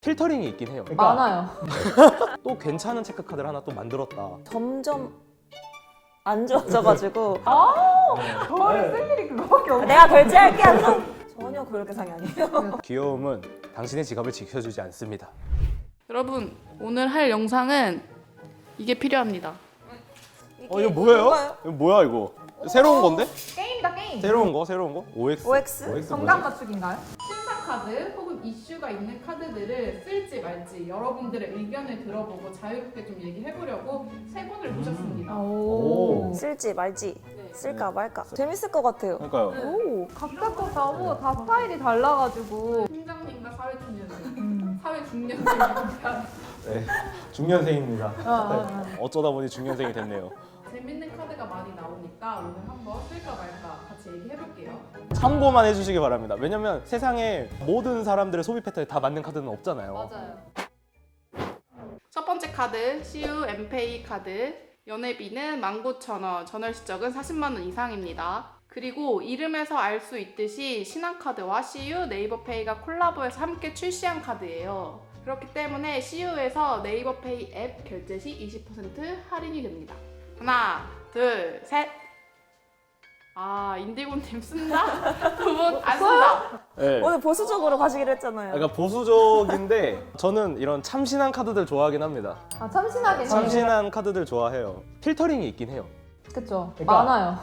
필터링이 있긴 해요. 많아요. 또 괜찮은 체크카드를 하나 또 만들었다. 점점 안 좋아져가지고 저를 쓸 일이 그거밖에 없어요. 내가 결제할게 하면서 전혀 그럴 계상이 아니에요. 귀여움은 당신의 지갑을 지켜주지 않습니다. 여러분 오늘 할 영상은 이게 필요합니다. 이거 뭐예요? 이거 뭐야 이거? 새로운 건데? 게임이다 게임. 새로운 거? OX? OX? 정답 맞추기인가요? 신사카드 혹은 이슈가 있는 카드들을 쓸지 말지 여러분들의 의견을 들어보고 자유롭게 좀 얘기해보려고 세 분을 모셨습니다. 오. 쓸지 말지 네. 쓸까 말까 재밌을 것 같아요. 그러니까요. 오. 각자 또 다르고 다 스타일이 달라가지고. 팀장님과 사회초년생, 음. 사회중년생입니다. 네, 중년생입니다. 아. 어쩌다 보니 중년생이 됐네요. 재밌는 카드가 많이 나오니까 오늘 한번 쓸까 말까 같이 얘기해볼게요. 참고만 해주시기 바랍니다. 왜냐면 세상에 모든 사람들의 소비 패턴에 다 맞는 카드는 없잖아요. 맞아요. 첫 번째 카드 CU 엠페이 카드. 연회비는 19,000원, 전월 실적은 40만 원 이상입니다. 그리고 이름에서 알 수 있듯이 신한카드와 CU, 네이버페이가 콜라보해서 함께 출시한 카드예요. 그렇기 때문에 CU에서 네이버페이 앱 결제 시 20% 할인이 됩니다. 하나, 둘, 셋. 아, 인디고님 쓴다? 두 분 안 쓴다. 네. 오늘 보수적으로 가시기로 했잖아요. 그러니까 보수적인데 저는 이런 참신한 카드들 좋아하긴 합니다. 아 참신하게. 참신한 카드들 좋아해요. 필터링이 있긴 해요. 그쵸. 그러니까- 많아요.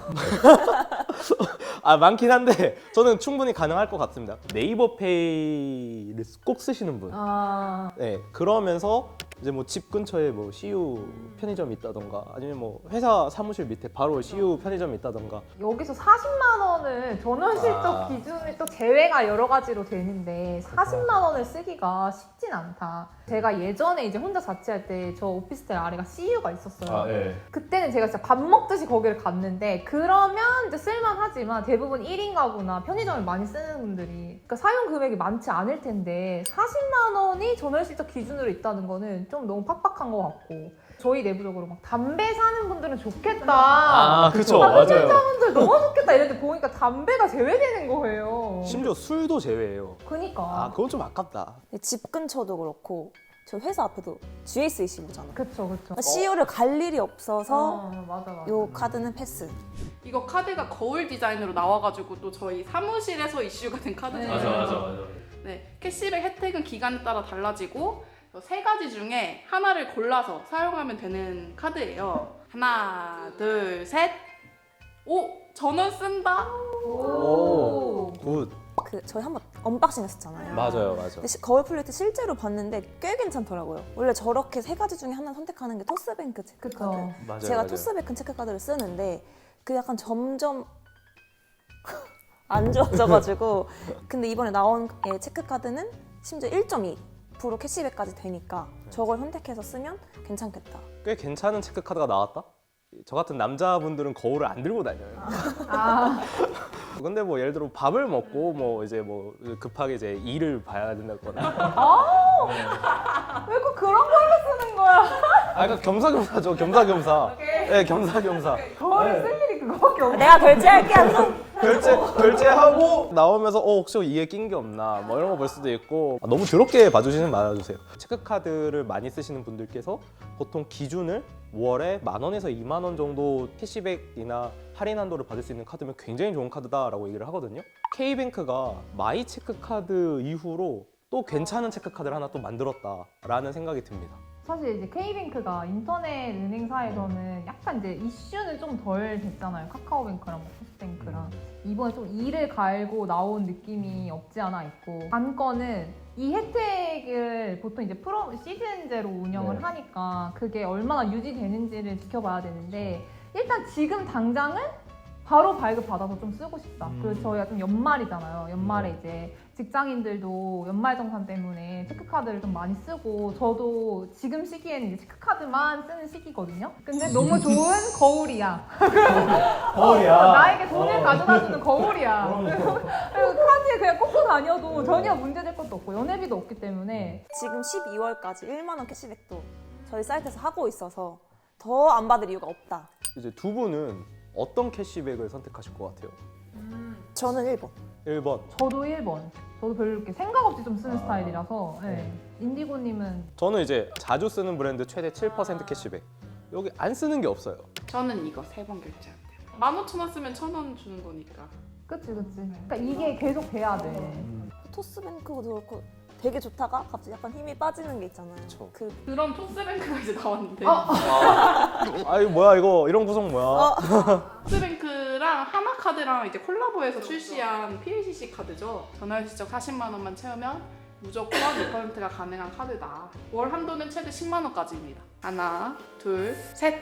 아 많긴 한데 저는 충분히 가능할 것 같습니다. 네이버페이를 꼭 쓰시는 분. 아. 네, 그러면서 이제 뭐 집 근처에 뭐 CU 편의점이 있다던가 아니면 뭐 회사 사무실 밑에 바로 CU 편의점이 있다던가. 여기서 40만 원을 전원 실적 아. 기준에 또 제외가 여러 가지로 되는데 40만 원을 쓰기가 쉽진 않다. 제가 예전에 이제 혼자 자취할 때 저 오피스텔 아래가 CU가 있었어요. 네. 그때는 제가 진짜 밥 먹듯이 거기를 갔는데 그러면 이제 쓸만하지만 대부분 1인 가구나 편의점을 많이 쓰는 분들이 그러니까 사용 금액이 많지 않을 텐데 40만 원이 전월 실적 기준으로 있다는 거는 좀 너무 팍팍한 것 같고 저희 내부적으로 막 담배 사는 분들은 좋겠다. 아, 그쵸. 아, 맞아요. 분들 너무 좋겠다 이랬는데 보니까 담배가 제외되는 거예요. 심지어 술도 제외해요. 그니까. 아, 그건 좀 아깝다. 집 근처도 그렇고 저 회사 앞에도 GS25잖아. 그쵸 그쵸. CU를 갈 일이 없어서 맞아 맞아. 요 카드는 패스. 이거 카드가 거울 디자인으로 나와가지고 또 저희 사무실에서 이슈가 된 카드잖아요. 맞아. 네, 캐시백 혜택은 기간에 따라 달라지고 세 가지 중에 하나를 골라서 사용하면 되는 카드예요. 하나, 둘, 셋. 오, 전원 쓴다. 오. 굿. 그 저희 한번 언박싱 했었잖아요. 맞아요. 근데 거울 플레이트 실제로 봤는데 꽤 괜찮더라고요. 원래 저렇게 세 가지 중에 하나 선택하는 게 토스뱅크 체크카드. 그쵸. 맞아요. 제가 토스뱅크 체크카드를 쓰는데 그 약간 점점 안 좋아져가지고 근데 이번에 나온 체크카드는 심지어 1.2% 캐시백까지 되니까 저걸 선택해서 쓰면 괜찮겠다. 꽤 괜찮은 체크카드가 나왔다? 저 같은 남자분들은 거울을 안 들고 다녀요. 아. 근데 뭐 예를 들어 밥을 먹고 뭐 이제 뭐 급하게 이제 일을 봐야 된다거나. 왜 꼭 그런 걸로 쓰는 거야? 아, 그러니까 겸사겸사죠. 겸사겸사. 네, 겸사겸사. 거울을 쓸 일이 그거밖에 없네. 내가 결제할게 하면서 결제하고 나오면서 혹시 이에 낀 게 없나 뭐 이런 거 볼 수도 있고. 너무 더럽게 봐주시는 말아주세요. 체크카드를 많이 쓰시는 분들께서 보통 기준을 5월에 10,000원에서 20,000원 정도 캐시백이나 할인 한도를 받을 수 있는 카드면 굉장히 좋은 카드다라고 얘기를 하거든요. K뱅크가 마이 체크카드 이후로 또 괜찮은 체크카드를 하나 또 만들었다라는 생각이 듭니다. 사실 이제 K뱅크가 인터넷 은행사에서는 약간 이제 이슈는 좀 덜 됐잖아요. 카카오뱅크랑 뭐 토스뱅크랑 이번에 좀 이를 갈고 나온 느낌이 없지 않아 있고 관건은 이 혜택을 보통 이제 프로 시즌제로 운영을 네. 하니까 그게 얼마나 유지되는지를 지켜봐야 되는데 일단 지금 당장은 바로 발급 받아서 좀 쓰고 싶다. 그리고 저희가 좀 연말이잖아요. 연말에 이제 직장인들도 연말정산 때문에 체크카드를 좀 많이 쓰고 저도 지금 시기에는 이제 체크카드만 쓰는 시기거든요. 근데 너무 좋은 거울이야. 나에게 돈을 가져다주는 거울이야. 그리고 카드에 그냥 꽂고 다녀도 전혀 문제될 것도 없고 연회비도 없기 때문에 지금 12월까지 1만 원 캐시백도 저희 사이트에서 하고 있어서 더 안 받을 이유가 없다. 이제 두 분은 어떤 캐시백을 선택하실 것 같아요? 저는 1번. 1번. 저도 1번. 저도 별로 이렇게 생각 없이 좀 쓰는 스타일이라서. 네. 인디고님은 저는 이제 자주 쓰는 브랜드 최대 7% 캐시백. 여기 안 쓰는 게 없어요. 저는 이거 3번 결제한대요. 15,000원 쓰면 1,000원 주는 거니까. 그치. 그러니까 이게 계속 돼야 돼. 토스뱅크도 그렇고 되게 좋다가 갑자기 약간 힘이 빠지는 게 있잖아요. 그쵸. 그런 토스뱅크가 이제 나왔는데 아 이거 뭐야 이거 이런 구성 뭐야? 토스뱅크랑 하나카드랑 이제 콜라보해서 출시한 PLCC 카드죠. 전월 시적 40만 원만 채우면 무조건 2%가 가능한 카드다. 월 한도는 최대 10만 원까지입니다. 하나, 둘, 셋.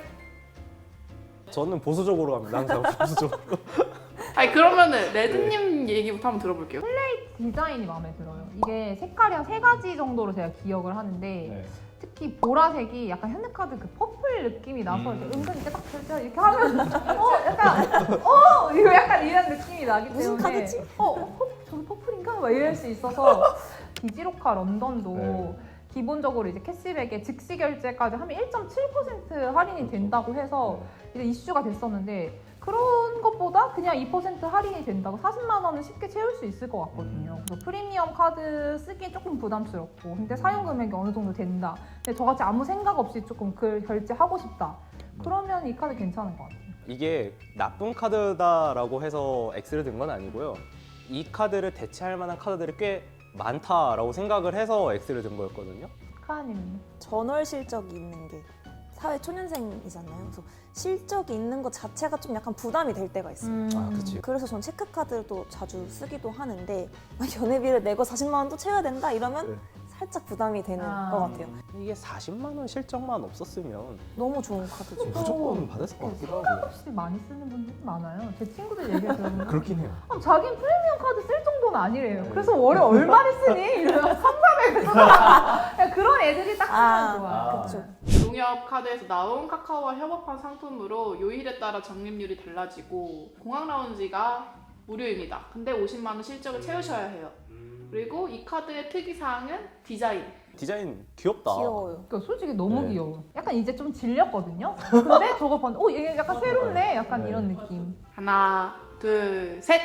저는 보수적으로 갑니다. 항상 보수적으로. 아니 그러면은 레드님 얘기부터 한번 들어볼게요. 디자인이 마음에 들어요. 이게 색깔이 한 3가지 정도로 제가 기억을 하는데 특히 보라색이 약간 현대카드 그 퍼플 느낌이 나서 이렇게 은근 이렇게 딱 결제 이렇게 하면 약간 이거 약간 이런 느낌이 나기 무슨 때문에 카드지? 저기 퍼플인가? 막 이럴 수 있어서 디지로카 런던도 네. 기본적으로 이제 캐시백에 즉시 결제까지 하면 1.7% 할인이 된다고 해서 이제 이슈가 됐었는데 그런 것보다 그냥 2% 할인이 된다고 40만 원은 쉽게 채울 수 있을 것 같거든요. 그래서 프리미엄 카드 쓰기 조금 부담스럽고 근데 사용 금액이 어느 정도 된다. 근데 저같이 아무 생각 없이 조금 결제하고 싶다. 그러면 이 카드 괜찮은 것 같아요. 이게 나쁜 카드다라고 해서 X를 든 건 아니고요. 이 카드를 대체할 만한 카드들이 꽤 많다라고 생각을 해서 X를 든 거였거든요. 카아님. 전월 실적이 있는 게 사회 초년생이잖아요. 그래서 실적이 있는 것 자체가 좀 약간 부담이 될 때가 있어요. 아, 그치. 그래서 전 체크카드도 자주 쓰기도 하는데 막 연회비를 내고 40만 원 또 채워야 된다 이러면 네. 살짝 부담이 되는 아. 것 같아요. 이게 40만 원 실적만 없었으면 너무 좋은 카드죠. 무조건 받았을 것 같기도 하고. 혹시 많이 쓰는 분들이 많아요. 제 친구들 얘기를 들어보면 그렇긴 해요. 자기는 프리미엄 카드 쓸 정도는 아니래요. 그래서 월에 얼마를 쓰니? 이러면 3,400을 쓰잖아. 그런 애들이 딱 쓰면 좋아. 그쵸. 농협 카드에서 나온 카카오와 협업한 상품으로 요일에 따라 적립률이 달라지고 공항 라운지가 무료입니다. 근데 50만 원 실적을 채우셔야 해요. 그리고 이 카드의 특이사항은 디자인. 디자인 귀엽다. 귀여워요. 그러니까 솔직히 너무 네. 귀여워. 약간 이제 좀 질렸거든요. 근데 저거 봤는데 얘 약간 새롭네? 약간 네. 이런 느낌. 하나, 둘, 셋.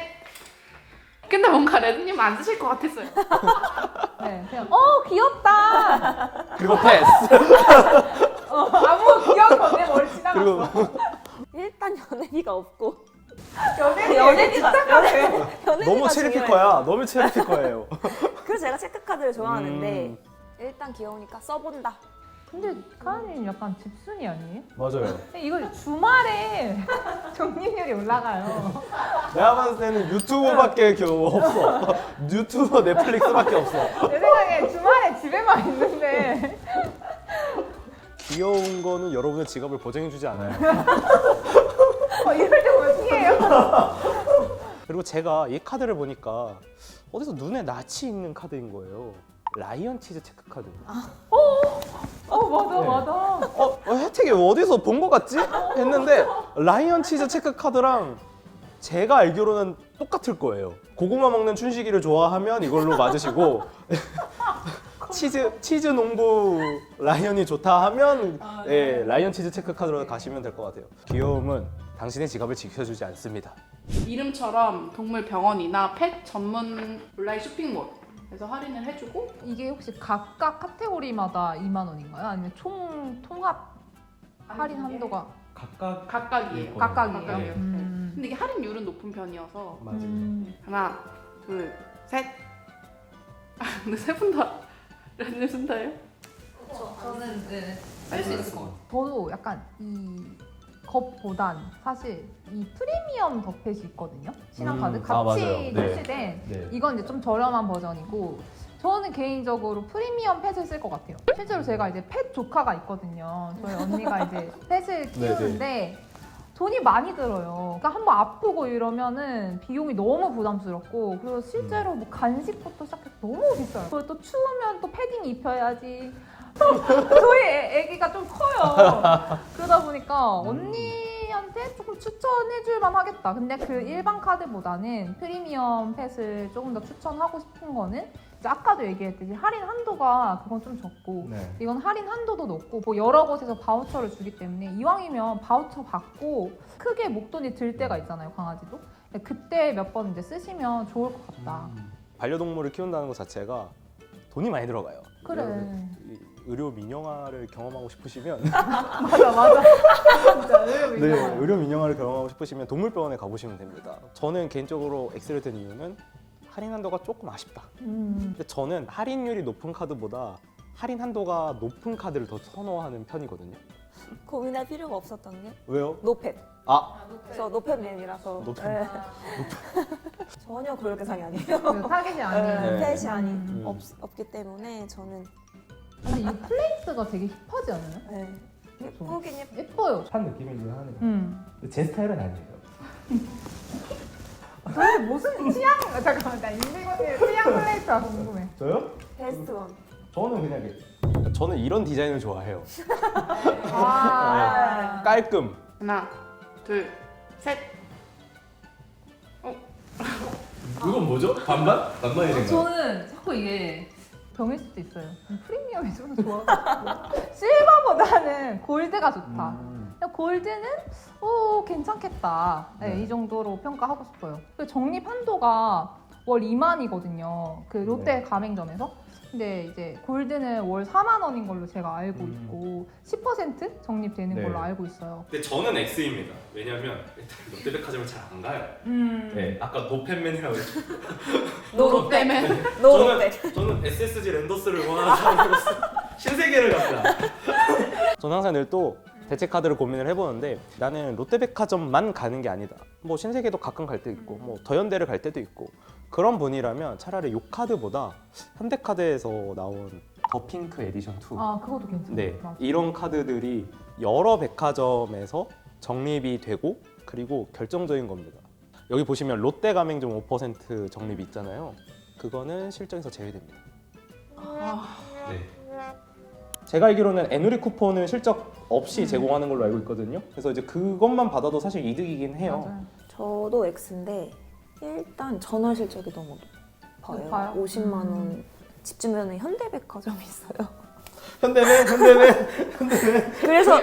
근데 뭔가 레드님 안 쓰실 것 같았어요. 네, 그냥 귀엽다. 그리고 패스. 아무 귀여운 거내 머리 지나갔어. 그리고 일단 연회비가 없고 연예비가 너무 체리피커야. 너무 체리피커예요. 그래서 제가 체크카드를 좋아하는데 음. 일단 귀여우니까 써본다. 근데 카은이는 약간 집순이 아니에요? 맞아요. 근데 이거 주말에 적립률이 올라가요. 내가 봤을 때는 유튜브밖에 없어. 유튜브, 넷플릭스밖에 없어. 내 생각에 주말에 집에만 있는데 귀여운 거는 여러분의 지갑을 보장해주지 않아요. 이럴 때 어떻게 해요? 그리고 제가 이 카드를 보니까 어디서 눈에 낯이 있는 카드인 거예요. 라이언 치즈 체크 카드. 맞아. 혜택이 어디서 본 거 같지? 했는데 라이언 치즈 체크 카드랑 제가 알기로는 똑같을 거예요. 고구마 먹는 춘식이를 좋아하면 이걸로 맞으시고 치즈 농부 라이언이 좋다 하면 예, 라이언 치즈 체크 카드로 가시면 될 것 같아요. 귀여움은 당신의 지갑을 지켜주지 않습니다. 이름처럼 동물 병원이나 펫 전문 온라인 쇼핑몰에서 할인을 해주고 이게 혹시 각각 카테고리마다 2만 원인가요? 아니면 총 통합 할인 한도가 각각이에요. 각각이에요? 각각이에요. 근데 이게 할인율은 높은 편이어서 맞아요. 하나, 둘, 셋. 근데 세 분 다 레드님 쓴다예요? 저는 쓸 수 있을 것 같아요. 저도 약간 이 것보단 사실 이 프리미엄 덕펫이 있거든요. 신한카드 맞아요. 같이 네. 출시된 네. 이건 이제 좀 저렴한 버전이고 저는 개인적으로 프리미엄 펫을 쓸 것 같아요. 실제로 제가 이제 펫 조카가 있거든요. 저희 언니가 이제 펫을 키우는데 돈이 많이 들어요. 그러니까 한번 아프고 이러면은 비용이 너무 부담스럽고 그리고 실제로 뭐 간식부터 시작해서 너무 비싸요. 그리고 또 추우면 또 패딩 입혀야지. 저희 애기가 좀 커요. 그러다 보니까 언니한테 조금 추천해줄만 하겠다. 근데 그 일반 카드보다는 프리미엄 펫을 조금 더 추천하고 싶은 거는 이제 아까도 얘기했듯이 할인 한도가 그건 좀 적고 네. 이건 할인 한도도 높고 뭐 여러 곳에서 바우처를 주기 때문에 이왕이면 바우처 받고 크게 목돈이 들 때가 있잖아요, 강아지도. 그때 몇 번 이제 쓰시면 좋을 것 같다. 반려동물을 키운다는 것 자체가 돈이 많이 들어가요. 그래. 이 의료 민영화를 경험하고 싶으시면 맞아. 진짜 네, 의료 민영화를 경험하고 싶으시면 동물병원에 가보시면 됩니다. 저는 개인적으로 X를 든 이유는 할인 한도가 조금 아쉽다. 근데 저는 할인율이 높은 카드보다 할인 한도가 높은 카드를 더 선호하는 편이거든요. 고민할 필요가 없었던 게 왜요? 노팻. 아, 저 노팻맨이라서 노팻. 네. 전혀 그럴 대상이 아니에요. 그 타겟이 아닌. 네. 펫이 아닌 없기 때문에 저는 근데 이 플레이스가 되게 힙하지 않아요? 네. 예쁘긴 예뻐요. 한 느낌이긴 하네요. 근데 제 스타일은 아니에요. 근데 무슨 취향? 잠깐만, 나 인디고의 취향 플레이스가 궁금해. 저요? 베스트 원. 저는 그냥 저는 이런 디자인을 좋아해요. 아, 깔끔. 하나, 둘, 셋. 이건 뭐죠? 반반? 반반이 저는 자꾸 이게 병일 수도 있어요. 프리미엄이 좀 더 좋아가지고 실버보다는 골드가 좋다. 그냥 골드는 괜찮겠다. 네, 이 정도로 평가하고 싶어요. 그리고 적립 한도가 월 2만이거든요. 그 롯데 가맹점에서. 근데 이제 골드는 월 4만 원인 걸로 제가 알고 있고 10% 적립되는 네. 걸로 알고 있어요. 근데 저는 X입니다. 왜냐면 일단 롯데백화점을 잘 안 가요. 네, 아까 노팬맨이라고 했죠. 노롯데맨. 노롯데. 저는 SSG 랜더스를 원하는 사람으로서 신세계를 갑니다. 저는 항상 늘 또 대체 카드를 고민을 해보는데 나는 롯데백화점만 가는 게 아니다. 뭐 신세계도 가끔 갈 때 있고 뭐 더현대를 갈 때도 있고 그런 분이라면 차라리 요 카드보다 현대카드에서 나온 더 핑크 에디션 2 아, 그것도 괜찮아요. 네, 맞아. 이런 카드들이 여러 백화점에서 적립이 되고 그리고 결정적인 겁니다. 여기 보시면 롯데 가맹점 5% 적립이 있잖아요. 그거는 실적에서 제외됩니다. 네. 제가 알기로는 애누리 쿠폰은 실적 없이 제공하는 걸로 알고 있거든요. 그래서 이제 그것만 받아도 사실 이득이긴 해요. 맞아요. 저도 X인데 일단 전월 실적이 너무 높아요. 높아요? 50만 원. 집 주변에 현대백화점이 있어요. 현대는 그래서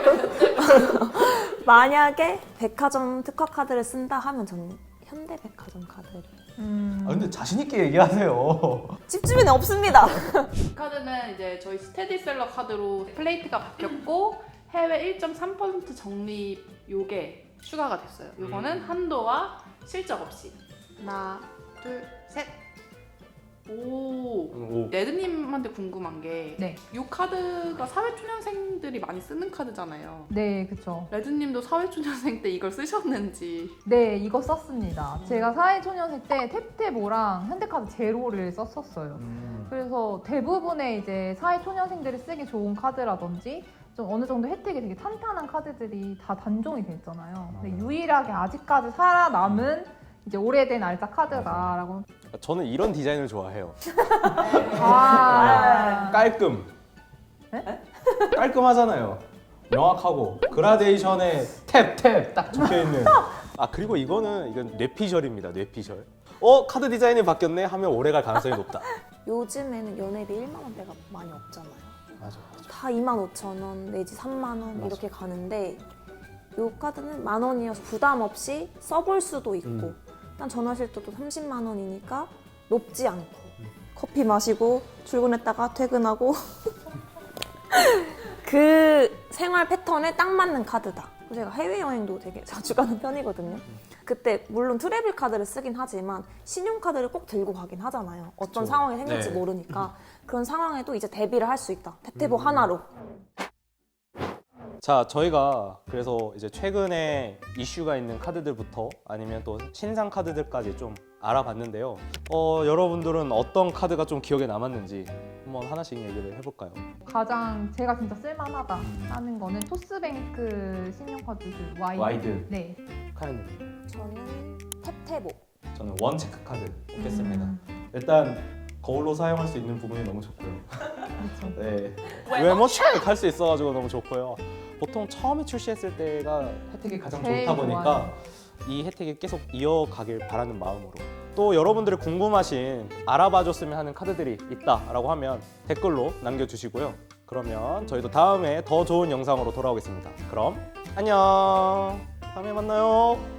만약에 백화점 특화 카드를 쓴다 하면 저는 현대백화점 카드를. 아, 근데 자신 있게 얘기하세요. 집 주변에 없습니다. 이 카드는 이제 저희 스테디셀러 카드로 플레이트가 바뀌었고 해외 1.3% 적립 요게 추가가 됐어요. 요거는 한도와 실적 없이. 하나, 둘, 셋. 오. 레드님한테 궁금한 게 네. 이 카드가 사회초년생들이 많이 쓰는 카드잖아요. 네, 그쵸. 레드님도 사회초년생 때 이걸 쓰셨는지. 네, 이거 썼습니다. 제가 사회초년생 때 탭탭5랑 현대카드 제로를 썼었어요. 그래서 대부분의 이제 사회초년생들이 쓰기 좋은 카드라든지 좀 어느 정도 혜택이 되게 탄탄한 카드들이 다 단종이 돼 있잖아요. 근데 유일하게 아직까지 살아남은 이제 오래된 알짜 카드다라고. 저는 이런 디자인을 좋아해요. 아, 깔끔. 깔끔하잖아요. 명확하고 그라데이션에 탭 딱 적혀 있는. 아 그리고 이건 뇌피셜입니다. 뇌피셜. 카드 디자인이 바뀌었네 하면 오래 갈 가능성이 높다. 요즘에는 연회비 1만 원대가 많이 없잖아요. 맞아. 다 25,000원 내지 3만 원 맞아. 이렇게 가는데 요 카드는 10,000원이어서 부담 없이 써볼 수도 있고 일단 전화실도도 30만 원이니까 높지 않고 커피 마시고 출근했다가 퇴근하고 그 생활 패턴에 딱 맞는 카드다. 제가 해외여행도 되게 자주 가는 편이거든요. 그때 물론 트래블 카드를 쓰긴 하지만 신용카드를 꼭 들고 가긴 하잖아요. 어떤 그쵸. 상황이 생길지 네. 모르니까 그런 상황에도 이제 대비를 할 수 있다. 탭탭5 하나로. 자, 저희가 그래서 이제 최근에 이슈가 있는 카드들부터 아니면 또 신상 카드들까지 좀 알아봤는데요. 여러분들은 어떤 카드가 좀 기억에 남았는지 한번 하나씩 얘기를 해볼까요? 가장 제가 진짜 쓸만하다 하는 거는 토스뱅크 신용카드 그 와이드. 네. 카연님, 저는 탭탭5. 저는 원 체크 카드 뽑겠습니다. 일단 거울로 사용할 수 있는 부분이 너무 좋고요. 그렇죠. 네. 외모 체크할 수 있어가지고 너무 좋고요. 보통 처음에 출시했을 때가 혜택이 가장 제일 좋다 보니까 좋아요. 이 혜택이 계속 이어가길 바라는 마음으로 또 여러분들이 궁금하신 알아봐줬으면 하는 카드들이 있다라고 하면 댓글로 남겨주시고요. 그러면 저희도 다음에 더 좋은 영상으로 돌아오겠습니다. 그럼 안녕. 다음에 만나요.